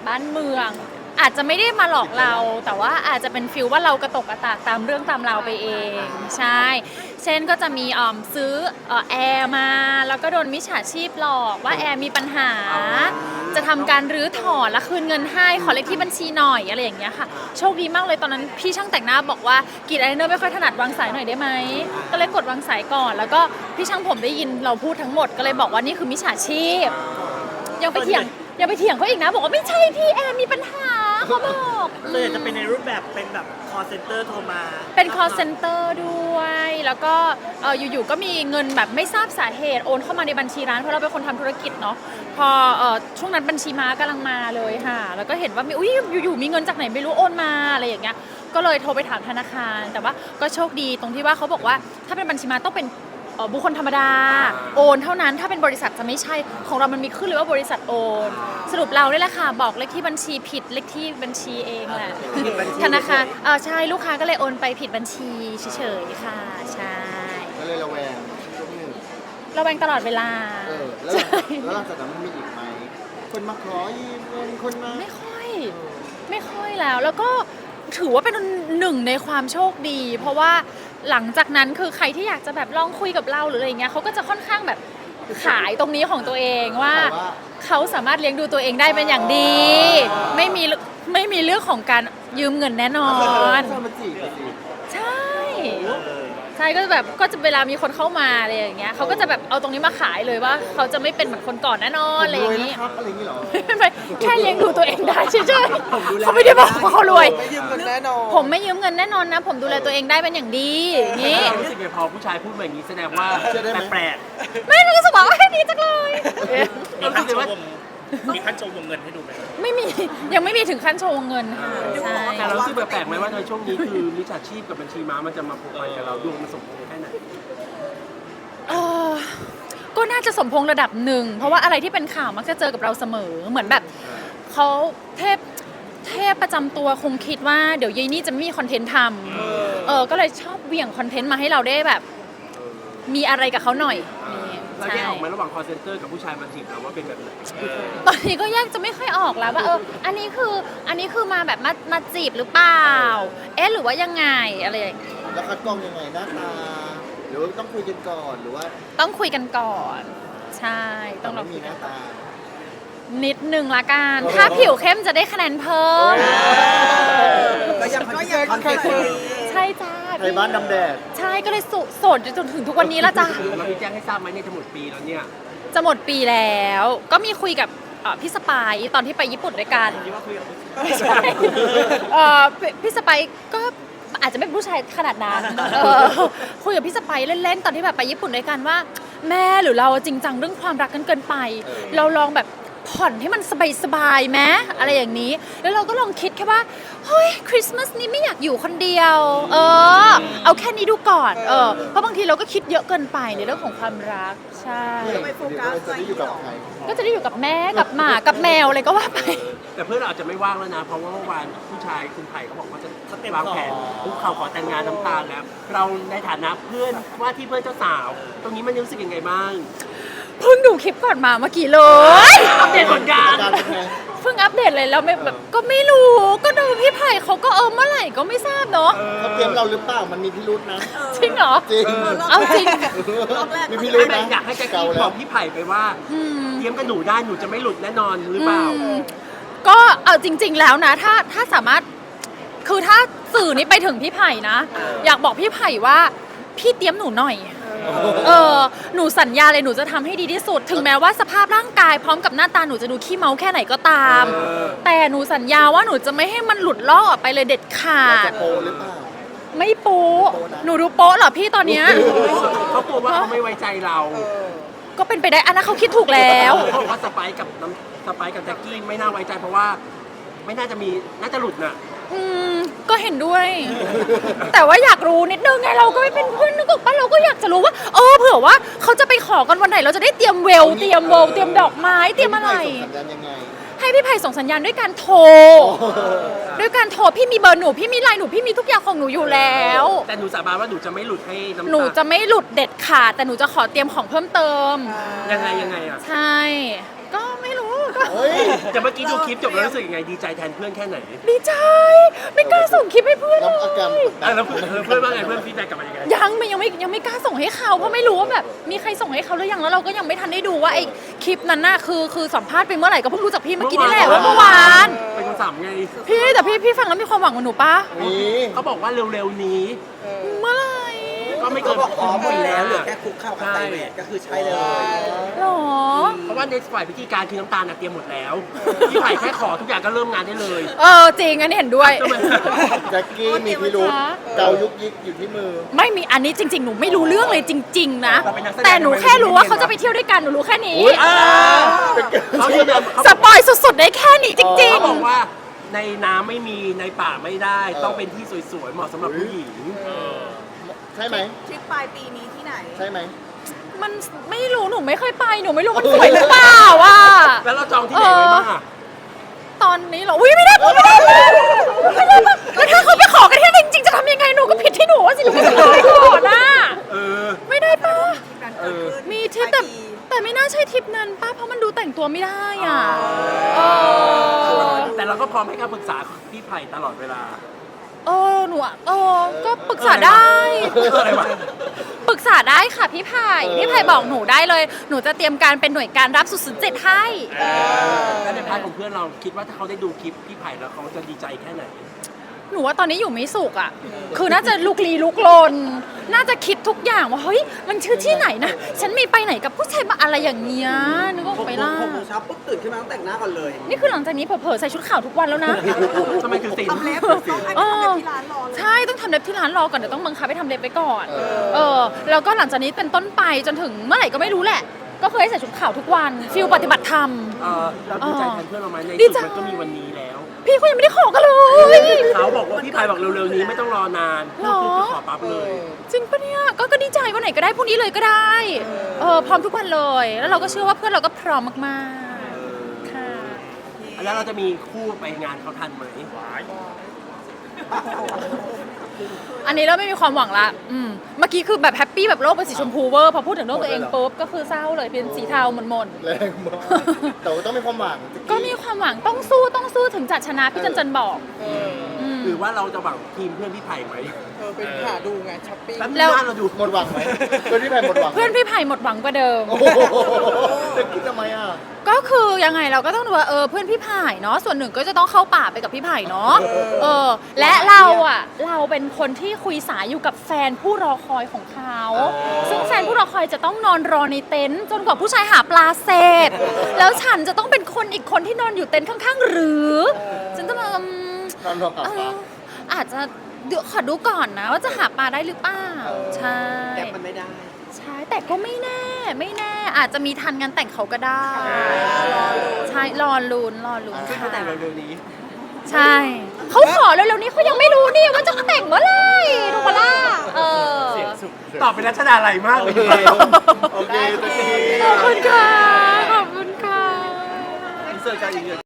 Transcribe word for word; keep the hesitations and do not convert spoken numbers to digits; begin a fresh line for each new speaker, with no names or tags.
บ้านเมือง อาจจะไม่ได้มาหลอกเรา แต่ว่าอาจจะเป็นฟิลว่าเรากระตกกระตากตามเรื่องตามราวไปเองใช่เช่นก็จะมีออมซื้อแอร์มาแล้วก็โดนมิจฉาชีพหลอกว่าแอร์มีปัญหา จะทำการรื้อถอนและคืนเงินให้ขอเลขที่บัญชีหน่อยอะไรอย่างเงี้ยค่ะโชคดีมากเลยตอนนั้นพี่ช่างแต่งหน้าบอกว่ากรีดอายไลเนอร์ไม่ค่อยถนัดวางสายหน่อยได้ไหมก็เลยกดวางสายก่อนแล้วก็พี่ช่างผมได้ยินเราพูดทั้งหมดก็เลยบอกว่านี่คือมิจฉาชีพยังไปเถียงยังไปเถียงเขาอีกนะบอกว่าไม่ใช่พี่แอร์มีปัญหาเขาบอก
เลยจะเป็นในรูปแบบเป็นแบบ call center โทรมา
เป็น call center ด้วยแล้วก็เอออยู่ๆก็มีเงินแบบไม่ทราบสาเหตุโอนเข้ามาในบัญชีร้านเพราะเราเป็นคนทำธุรกิจเนาะพอเออช่วงนั้นบัญชีม้ากำลังมาเลยค่ะแล้วก็เห็นว่ามีอุ้ยอยู่ๆมีเงินจากไหนไม่รู้โอนมาอะไรอย่างเงี้ยก็เลยโทรไปถามธนาคารแต่ว่าก็โชคดีตรงที่ว่าเขาบอกว่าถ้าเป็นบัญชีม้าต้องเป็นบุคคลธรรมดาโอนเท่านั้นถ้าเป็นบริษัทจะไม่ใช่ของเรามันมีขึ้นเลยว่าบริษัทโอนสรุปเราได้แหละค่ะบอกเลขที่บัญชีผิดเลขที่บัญชีเองแหละธนาคารเออใช่ลูกค้าก็เลยโอนไปผิดบัญชีเฉยๆค่ะใช่
ก็เลยระแวงช่วงหนึ่ง
ระแวงตลอดเวลา
เออแล้วแล้วหลังจากนั้นมันมีอีกไหมคนมาขอยืมเงินคนมา
ไม่ค่อยไม่ค่อยแล้วแล้วก็ถือว่าเป็นหนึ่งในความโชคดีเพราะว่าหลังจากนั้นคือใครที่อยากจะแบบลองคุยกับเราหรืออะไรเงี้ยเขาก็จะค่อนข้างแบบขายตรงนี้ของตัวเองว่าเขาสามารถเลี้ยงดูตัวเองได้เป็นอย่างดีไม่มีไม่มีเรื่องของการยืมเงินแน่นอนใช่ใช่ก็แบบก็จะเวลามีคนเข้ามาอะไรอย่างเงี้ยเขาก็จะแบบเอาตรงนี้มาขายเลยว่าเขาจะไม่เป็นเหมือนคนก่อนแน่นอนอะไรอย่างงี้ไม่แค่เลี้ยงดูตัวเองได้เฉยๆเขาไม่ได้บอกว่าเขารวย
ไม่ยืมเงินแน่นอน
ผมไม่ยืมเงินแน่นอนนะผมดูแลตัวเองได้เป็นอย่างดีอย่างงี้
รู้สึกไงพอผู้ชายพูดแบบนี้แสดงว่าแปลก
ไม่รู้สึกว่าแค่นี้จังเลย
รู้สึกว่ามีขั้นโชว์วงเงินให้ดูไหม
ไม่มียังไม่มีถึงขั้นโชว์เงินค่ะใช่
แต่เรารู้สึกแปลกไหมว่าในช่วงนี้คือมิจฉาชีพกับบัญชีม้ามันจะมาผูกพันกับเราดวงมันสมพงษ์แค่ไหน
เออก็น่าจะสมพงษ์ระดับหนึ่งเพราะว่าอะไรที่เป็นข่าวมักจะเจอกับเราเสมอเหมือนแบบเขาเทพเทพประจำตัวคงคิดว่าเดี๋ยวยายนี่จะไม่มีคอนเทนต์ทำเออก็เลยชอบเหวี่ยงคอนเทนต์มาให้เราได้แบบมีอะไรกับเขาหน่อย
เราแยกออกไหมระหว่าง call center กับผู้ชายมาจีบเราว่าเป็นแบบไหน
ตอนนี้ก็แยกจะไม่ค่อยออกแล้วว่าเอออันนี้คืออันนี้คือมาแบบมามาจีบหรือเปล่าเอ๊ะหรือว่ายังไงอะไรอย่างเงี้ย
แล้วคัดกรองยังไงหน้าตาหรือว่าต้องคุยกันก่อนหรือว่า
ต้องคุยกันก่อนใช่ต้อง
เรามีหน้าตา
นิดนึงละกันถ้าผิวเข้มจะได้คะแนนเพิ่ม
ก็ยังก็ยังคอนเทนต์
ใช่จ้า
ไทยบ้านดำแดด
ใช่ก็เลยโสดจนถึงทุกวันนี้ละจ้า
เราพี่แจ้งให้ทราบไหมเนี่ยจะหมดปีแล้วเนี่ย
จะหมดปีแล้วก็มีคุยกับพี่สปายตอนที่ไปญี่ปุ่นด้วยกันไม่ใช่พี่สปายก็อาจจะไม่เป็นผู้ชายขนาดนั้นคุยกับพี่สปายเล่นๆตอนที่แบบไปญี่ปุ่นด้วยกันว่าแม่หรือเราจริงจังเรื่องความรักกันเกินไปเราลองแบบผ่อนให้มันสบายๆไหมอะไรอย่างนี้แล้วเราก็ลองคิดแค่ว่าเฮ้ยคริสต์มาสนี้ไม่อยากอยู่คนเดียวเออเอาแค่นี้ดูก่อนเออเพราะบางทีเราก็คิดเยอะเกินไปในเรื่องของความรักใช่
จะได้อยู่กับใคร
ก็จะได้อยู่กับแม่กับหมากับแมวอะไรก็ว่าไป
แต่เพื่อนเราอาจจะไม่ว่างแล้วนะเพราะว่าเมื่อวานผู้ชายคุณไผ่เขาบอกว่าจะวางแผนคุกเข่าขอแต่งงานน้ำตาลแล้วเราในฐานะเพื่อนว่าที่เพื่อนเจ้าสาวตรงนี้มันรู้สึกยังไงบ้าง
เพิ่งดูคลิปก่อนมาเมื่อกี้เลย
อัปเดตผลงาน
เพิ่งอัปเดตเลยแล้วไม่แบบก็ไม่รู้ก็ดูพี่ไผ่เขาก็เออเมื่อไหร่ก็ไม่ทราบเนาะ
เขาเตรียมเราหรือเปล่ามันมีพิรุธนะ
จริงเหรอ
จริง
เอาจริง
มีพิรุธนะ
อยากให้แจ็คกี้บอกพี่ไผ่ไปว่าเตรียมกับหนูได้หนูจะไม่หลุดแน่นอนหรือเปล่า
ก็เอาจริงๆแล้วนะถ้าถ้าสามารถคือถ้าสื่อนี้ไปถึงพี่ไผ่นะอยากบอกพี่ไผ่ว่าพี่เตรียมหนูหน่อยเออหนูสัญญาเลยหนูจะทำให้ดีที่สุดถึงแม้ว่าสภาพร่างกายพร้อมกับหน้าตาหนูจะดูขี้เมาแค่ไหนก็ตามแต่หนูสัญญาว่าหนูจะไม่ให้มันหลุดลอกออกไปเลยเด็ดขาด
โปหรือเปล่า
ไม่โป๊หนูดูโป๊เหรอพี่ตอนเนี้ย
เขากลัวว่าเขาไม่ไว้ใจเรา
ก็เป็นไปได้อันนั้นเขาคิดถูกแล้ว
เขาบอกว่าสไปค์กับน้ำสไปค์กับแจ็คกี้ไม่น่าไว้ใจเพราะว่าไม่น่าจะมีน่าจะหลุดน่ะ
อืมก็เห็นด้วย แต่ว่าอยากรู้นิดนึงไงเราก็ไม่เป็นเพื่อนนึกออกปะเราก็อยากจะรู้ว่าเออเผื่อว่าเขาจะไปขอกันวันไหนเราจะได้เตรียมเวลเตรียมโวลเตรียมดอกไม้เตรียมอะไรให้พี่ไผ่ส่งสัญญาณด้วยการโทรด้วยการโทรพี่มีเบอร์หนูพี่มีไลน์หนูพี่มีทุกอย่างของหนูอยู่แล้ว
แต่หนูสาบานว่าหนูจะไม่หลุดให้น้ำตา
หนูจะไม่หลุดเด็ดขาดแต่หนูจะขอเตรียมของเพิ่มเติม
ยังไงยังไงอ่ะ
ใช่ก็ไม่รู้ก็
เฮ้ย
แต่เมื่อกี้ดูคลิปจบแล้วรู้สึกยังไงดีใจแทนเพื่อนแค่ไหน
ดีใจ ไม่กล้าส่งคลิปให้เพื่อน
แล้ว
เล
อาการ
ย
อ่ะแล้วเพื่อนเพื่อนว่าไงเพื่อนฟีดแบ็กกลับมายังไง
ยังไม่ยังไม่ยังไม่กล้าส่งให้เขาเพราะไม่รู้ว่าแบบมีใครส่งให้เขาหรือยังแล้วเราก็ยังไม่ทันได้ดูว่าไอ้คลิปนั้นน่ะคือคือสัมภาษณ์ไปเมื่อไหร่ก็เพิ่งรู้จากพี่เมื่อกี้นี่แหละว่าเมื่อวาน
เป็นคนสามไง
พี่แต่พี่พี่ฟังแล้วมีความหวังกับหนูปะ
นี่
เขาบอกว่าเร็วๆนี้
เมื่อไหร่
ก็ไม่เกิน
พร้อมหมดแล้วเหลือแค่คุกเข้ากับไตเวทก็คือใช้เลย
หรอ
เพราะว่าในฝ่ายพิธีการคือน้ำตาลน่ะเตรียมหมดแล้วพี่ไผ่แค่ขอทุกอย่างก็เริ่มงานได้เลย
เออจริงอันนี้เห็นด้วย
ทำไม
แจ็คกี้มีพิรุธ
คะ
เกายุกยิกอยู่ที่มือ
ไม่มีอันนี้จริง ๆ หนูไม่รู้เรื่องเลยจริง ๆ นะ
เราเป็นนักแสดง
แต่หนูแค่รู้ว่าเขาจะไปเที่ยวด้วยกันหนูรู้แค่นี้
อุ๊ย
อ่าเขายืนยันเขา
สปอยสุดๆได้แค่นี้จริง
เขาบอกว่าในน้ำไม่มีในป่าไม่ได้ ต้องเป็นที่สวยๆเหมาะสำหรับผู้หญิง
ใช่ไหม
ทริปปลายปีนี้ที่ไหน
ใช่ไหม
ๆ มันไม่รู้หนูไม่เคยไปหนูไม่รู้มันสวยหรือเปล่าอ่ะ
แล้วเราจองที่ไหนไว้บ้างอะ
ตอนนี้เหรออุ้ยไม่ได้ไม่ได้ไม่ได้ไม่ได้แล้วถ้าเขาไปขอกันที่นั่นจริงๆจะทำยังไงหนูก็ผิดที่หนูว่าสิหนูไม่ได้ไปก่อนนะ
เออ
ไม่ได้ปะ
ที่การเกิดขึ้น
มีทริปแต่
ปลายปี
แต่ไม่น่าใช่ทริปนั้นป้าเพราะมันดูแต่งตัวไม่ได้อ่ะเออ
แต่เราก็พร้อมให้คำปรึกษาพี่ไผ่ตลอดเวลา
เออหนูอะเออก็ปรึกษาได้
อะไรวะ
ปรึกษาได้ค่ะพี่ไผ่พี่ไผ่บอกหนูได้เลย หนูจะเตรียมการเป็นหน่วยการรับสุดสุดเจ็ดให้
แล้วในพาร์ทของเพื่อนเราคิดว่าถ้าเขาได้ดูคลิปพี่ไผ่แล้วเขาจะดีใจแค่ไหน
หนูว่าตอนนี้อยู่ไม่สุขอ่ะ คือน่าจะลุกลี้ลุกลน น่าจะคิดทุกอย่างว่าเฮ้ยมันชื่อที่ไหนนะ ฉันมีไปไหนกับผู้ชายมาอะไรอย่างเงี้ยนึกออกไปล่ะ
หกโมงเช้าปุ๊บตื่นขึ้นมาต้องแต่งหน้าก่อนเลย
นี่คือหลังจากนี้เผลอๆใส่ชุดขาวทุกวันแล้วนะ
ทำไมคือสิ่ง
ทำเล็บต้องให้ไปทำเล็บที่ร้านรอเลย
ใช่ต้องทำเล็บที่ร้านรอก่อนเดี๋ยวต้องบังคับไปทำเล็บไปก่อน เออ แล้วก็หลังจากนี้เป็นต้นไปจนถึงเมื่อไหร่ก็ไม่รู้แหละ ก็เคยใส่ชุดขาวทุกวันฟิลปฏิบัติธรรม
เออเราดีใจแทนเพื่อนเราไหมใน
ดี
ที่
ใจ
สุดมันก็มีวันนี้แล้ว
พี่เขายังไม่ได้ขอกันเลย
เขาบอกว่าพี่ไผ่บอกเร็วๆนี้ไม่ต้องรอนาน
หรอ
คือขอปั๊บเลย
จริงปะเนี่ยก็ก็ดีใจวันไหนก็ได้พรุ่งนี้เลยก็ได้ เออพร้อมทุกวันเลย แล้วเราก็เชื่อว่าเพื่อนเราก็พร้อมมากๆ ค่ะ
แล้วเราจะมีคู่ไปงานเขาทันไหม
อันนี้เราไม่มีความหวังละอืมเมื่อกี้คือแบบแฮปปี้แบบโลกเป็นสีชมพูเวอร์พอพูดถึงเรื่องตัวเองปุ๊บก็คือเศร้าเลยเป็นสีเทาหม่น
แรงมากแต่ว่าต้องมีความหวัง
ๆก็มีความหวังต้องสู้ต้องสู้ถึงจะชนะพี่จันจันบอกม
หรือว่าเราจะหวังทีมเพื่อนพี่ไผ่ไหม
เออเป็นหาดูไงช้อปปิ้ง
แล้ว
แล้ว
หน้าเราดู
หมดหวังไหมเพื่อนที่แพ้หมดหวังไหม
เพื่อนพี่ไผ่หมดหวังกว่าเดิม
โอ้โหจะคิดทำไมอ่ะ
ก็คือยังไงเราก็ต้องดูว่าเออเพื่อนพี่ไผ่เนาะส่วนหนึ่งก็จะต้องเข้าป่าไปกับพี่ไผ่เนาะเออและเราอ่ะเราเป็นคนที่คุยสายอยู่กับแฟนผู้รอคอยของเขาซึ่งแฟนผู้รอคอยจะต้องนอนรอในเต็นท์จนกว่าผู้ชายหาปลาเสร็จแล้วฉันจะต้องเป็นคนอีกคนที่นอนอยู่เต็นท์ข้างๆหรือฉันจะมาอืม
นอนรอกับ
เอ
ปลา
ออาจจะเดี๋ยวขอดูก่อนนะว่าจะหาปลาได้หรือเปล่าใช่
แก๊ปมันไม่ได้
ใช่แต่ก็ไม่แน่ไม่แน่อาจจะมีทันงานแต่งเขาก็ได้ใช่รอลุ้นรอลุ้น
ซึ่ง
ค่ะ
เขาแต่งเร็วๆนี้
ใช่เขาขอเร็วๆนี้เขายังไม่รู้นี่ว่าจะแต่งเมื่อไหร่ถูกปะล่ะเออ
ตอบเป็นรัชดาไหลมากเลย
โอเคตะกี้
ขอบคุณค่ะขอบคุณค่ะ
อินเสิร์ตกันอีก